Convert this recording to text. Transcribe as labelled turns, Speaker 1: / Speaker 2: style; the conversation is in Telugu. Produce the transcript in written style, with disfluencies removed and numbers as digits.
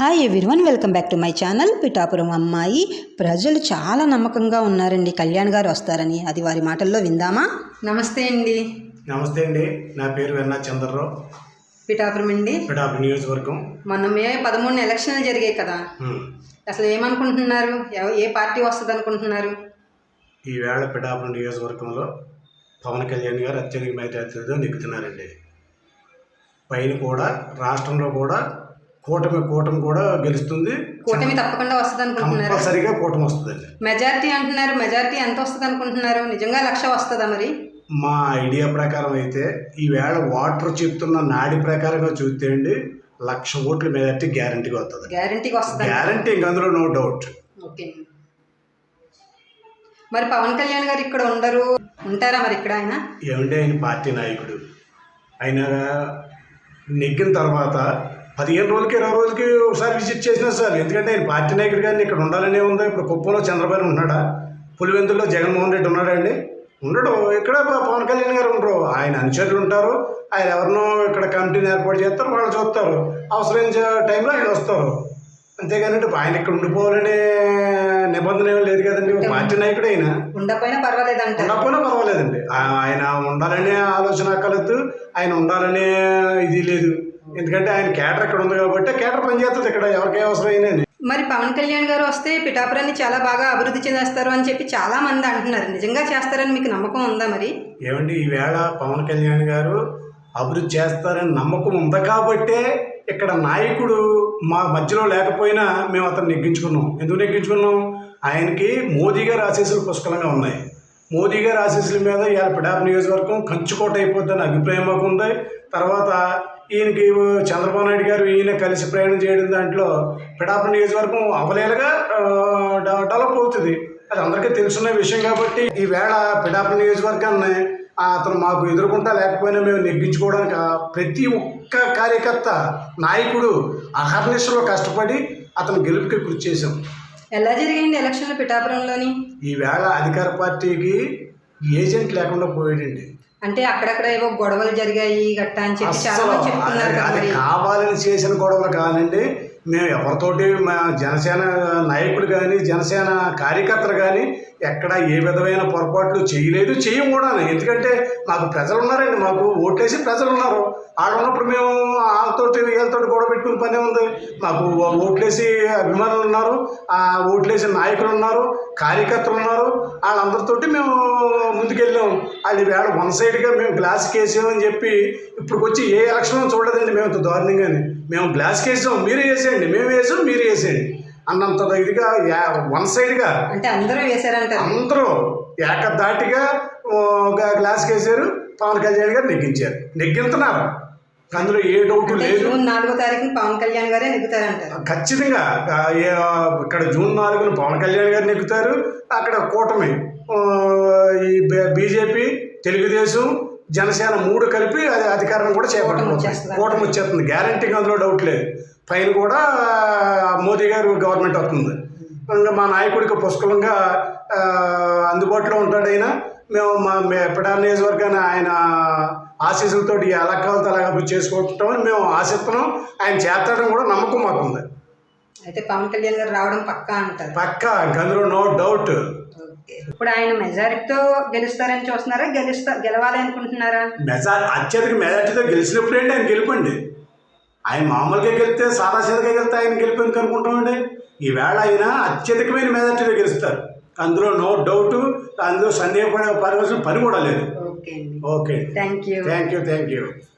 Speaker 1: Hi everyone, welcome back to my channel. Pithapuram అమ్మాయి. ప్రజలు చాలా నమ్మకంగా ఉన్నారండి కళ్యాణ్ గారు వస్తారని. అది వారి మాటల్లో విందామా?
Speaker 2: నమస్తే అండి.
Speaker 3: నమస్తే అండి, నా పేరు వెన్నా చంద్రరావు,
Speaker 2: పిఠాపురం అండి.
Speaker 3: పిఠాపురం నియోజకవర్గం.
Speaker 2: మొన్న మే 13 ఎలక్షన్లు జరిగాయి కదా, అసలు ఏమనుకుంటున్నారు? ఏ పార్టీ వస్తుంది అనుకుంటున్నారు?
Speaker 3: ఈవేళ పిఠాపురం నియోజకవర్గంలో పవన్ కళ్యాణ్ గారు అత్యధిక మెజార్టీతో నెగ్గుతున్నారండి. పైన కూడా రాష్ట్రంలో కూడా కూటమి కూడా గెలుస్తుంది.
Speaker 2: కూటమి తప్పకుండా వస్తుంది అనుకుంటున్నారు?
Speaker 3: కంపల్సరిగా కూటమి వస్తుందండి.
Speaker 2: మెజార్టీ అంటున్నారు, మెజార్టీ ఎంత వస్తుంది అనుకుంటున్నారు? నిజంగా 1,00,000 వస్తుందా? మరి
Speaker 3: మా ఐడియా ప్రకారం అయితే ఈవేళ వాటర్ చెప్తున్న నాడి ప్రకారంగా చూస్తే అండి 1,00,000 ఓట్ల మెజార్టీ గ్యారంటీగా వస్తుంది.
Speaker 2: గ్యారంటీగా వస్తుంది,
Speaker 3: గ్యారంటీ, ఇంక అందులో నో డౌట్.
Speaker 2: ఓకే. మరి పవన్ కళ్యాణ్ గారు ఇక్కడ ఉంటారా మరి ఇక్కడ? ఆయన
Speaker 3: ఏమంటే ఆయన పార్టీ నాయకుడు. ఆయన నెగ్గిన తర్వాత 15 రోజులకి 20 రోజులకి ఒకసారి విజిట్ చేసినా సార్, ఎందుకంటే ఆయన పార్టీ నాయకుడు కానీ ఇక్కడ ఉండాలనే ఉందా? ఇప్పుడు కుప్పంలో చంద్రబాబు ఉన్నాడా? పులివెందుల్లో జగన్మోహన్ రెడ్డి ఉన్నాడండి? ఉండడు. ఇక్కడ పవన్ కళ్యాణ్ గారు ఉండరు. ఆయన అనుచరులు ఉంటారు. ఆయన ఎవరినో ఇక్కడ కమిటీని ఏర్పాటు చేస్తారు, వాళ్ళు చూస్తారు. అవసరమైన టైంలో ఆయన వస్తారు. అంతేగాని ఆయన ఇక్కడ ఉండిపోవాలనే నిబంధన ఏమీ లేదు కదండి. పార్టీ నాయకుడు ఆయన
Speaker 2: ఉండకపోయినా
Speaker 3: పర్వాలేదండి. ఆయన ఉండాలనే ఆలోచన కలదు, ఆయన ఉండాలనే ఇది లేదు. ఎందుకంటే ఆయన కేటర్ ఇక్కడ ఉంది కాబట్టి కేటర్ పనిచేస్తుంది ఇక్కడ, ఎవరికే అవసరం అయినా.
Speaker 2: మరి పవన్ కళ్యాణ్ గారు వస్తే పిఠాపురాన్ని చాలా బాగా అభివృద్ధి చేస్తారు అని చెప్పి చాలా మంది అంటున్నారు. నిజంగా చేస్తారని మీకు నమ్మకం ఉందా? మరి
Speaker 3: ఏమండి, ఈవేళ పవన్ కళ్యాణ్ గారు అభివృద్ధి చేస్తారని నమ్మకం ఉంది కాబట్టే ఇక్కడ నాయకుడు మా మధ్యలో లేకపోయినా మేము అతను నెగ్గించుకున్నాం. ఎందుకు నెగ్గించుకున్నాం? ఆయనకి మోదీ గారి ఆశీస్సులు పుష్కలంగా ఉన్నాయి. మోదీ గారి ఆశీస్సుల మీద ఇవాళ పిఠాపురం నియోజకవర్గం కంచుకోట అయిపోద్దని అభిప్రాయం మాకు ఉంది. తర్వాత ఈయనకి చంద్రబాబు నాయుడు గారు ఈయన కలిసి ప్రయాణం చేయడం దాంట్లో పిఠాపురం నియోజకవర్గం అవలేలుగా డెవలప్ అవుతుంది. అది అందరికీ తెలుసున్న విషయం కాబట్టి ఈవేళ పిఠాపురం నియోజకవర్గాన్ని అతను మాకు ఎదుర్కొంటా లేకపోయినా మేము నెగ్గించుకోవడానికి ప్రతి ఒక్క కార్యకర్త నాయకుడు అహర్నిశలో కష్టపడి అతను గెలుపుకి కృషి చేశాం.
Speaker 2: ఎలా జరిగింది ఎలక్షన్లు పిఠాపురంలోని?
Speaker 3: ఈవేళ అధికార పార్టీకి ఏజెంట్ లేకుండా పోయాడండి.
Speaker 2: అంటే అక్కడక్కడ ఏవో గొడవలు జరిగాయి గట్టా అని చెప్పి చాలా మంది చెప్తున్నారు.
Speaker 3: అది కావాలని చేసిన గొడవలు కానండి. మేము ఎవరితోటి మా జనసేన నాయకులు కానీ జనసేన కార్యకర్తలు కానీ ఎక్కడ ఏ విధమైన పొరపాట్లు చేయలేదు, చేయం కూడా. ఎందుకంటే మాకు ప్రజలు ఉన్నారండి, మాకు ఓట్లేసి ప్రజలు ఉన్నారు. వాళ్ళు ఉన్నప్పుడు మేము వీళ్ళతో గొడవ పెట్టుకుని పనే ఉంది. మాకు ఓట్లేసి అభిమానులు ఉన్నారు, ఓట్లేసి నాయకులు ఉన్నారు, కార్యకర్తలు ఉన్నారు. వాళ్ళందరితోటి మేము ముందుకెళ్ళాం. అది వేళ వన్ సైడ్గా మేము గ్లాస్కి వేసామని చెప్పి ఇప్పుడు వచ్చి ఏ ఎలక్షన్ చూడలేదండి. మేము దారుణంగానే మేము గ్లాస్కి వేసాం, మీరు వేసేయండి, మేము వేసాం, మీరు వేసేయండి అన్నంత ఇదిగా వన్ సైడ్గా
Speaker 2: అంటే అందరూ వేసారంట.
Speaker 3: అందరూ ఏకధాటిగా గ్లాస్కి వేసారు. పవన్ కళ్యాణ్ గారు నెగ్గింతున్నారు. అందులో ఏ డౌట్ లేదు.
Speaker 2: జూన్ 4వ తారీఖున పవన్ కళ్యాణ్ గారే నెగ్గుతారంటారు
Speaker 3: ఖచ్చితంగా. ఇక్కడ జూన్ 4న పవన్ కళ్యాణ్ గారు నెగ్గుతారు. అక్కడ కూటమి ఈ బీజేపీ, తెలుగుదేశం, జనసేన 3 కలిపి అది అధికారం కూడా చేపట్టబోతుంది. కూటమి వచ్చేస్తుంది గ్యారంటీగా, అందులో డౌట్ లేదు. పైన కూడా మోదీ గారు గవర్నమెంట్ వస్తుంది. మా నాయకుడికి పుష్కలంగా అందుబాటులో ఉంటాడు ఆయన. మేము మా పిఠాపురం నియోజకవర్గాన్ని ఆయన ఆశీస్సులతో ఎలా కావాలో అలా అభివృద్ధి చేసుకుంటామని మేము ఆశిస్తున్నాం. ఆయన చేస్తాడని కూడా నమ్మకం మాకుంది.
Speaker 2: అయితే పవన్ కళ్యాణ్ గారు రావడం పక్కా అంటారు?
Speaker 3: పక్కా, అందులో నో డౌట్.
Speaker 2: ఇప్పుడు ఆయన మెజారిటీతో గెలుస్తారని చూస్తున్నారా, గెలవాలి అనుకుంటున్నారా?
Speaker 3: అత్యధిక మెజారిటీతో గెలిచినప్పుడు ఏంటి ఆయన గెలుపండి. ఆయన మామూలుగా గెలిస్తే సాదాసీదగా గెలిస్తే ఆయన గెలిపేందుకు అనుకుంటామండి. ఈవేళ ఆయన అత్యధికమైన మెజారిటీతో గెలుస్తారు, అందులో నో డౌట్. అందులో సందేహపడే పని కూడా లేదు.
Speaker 2: Okay,
Speaker 3: thank you.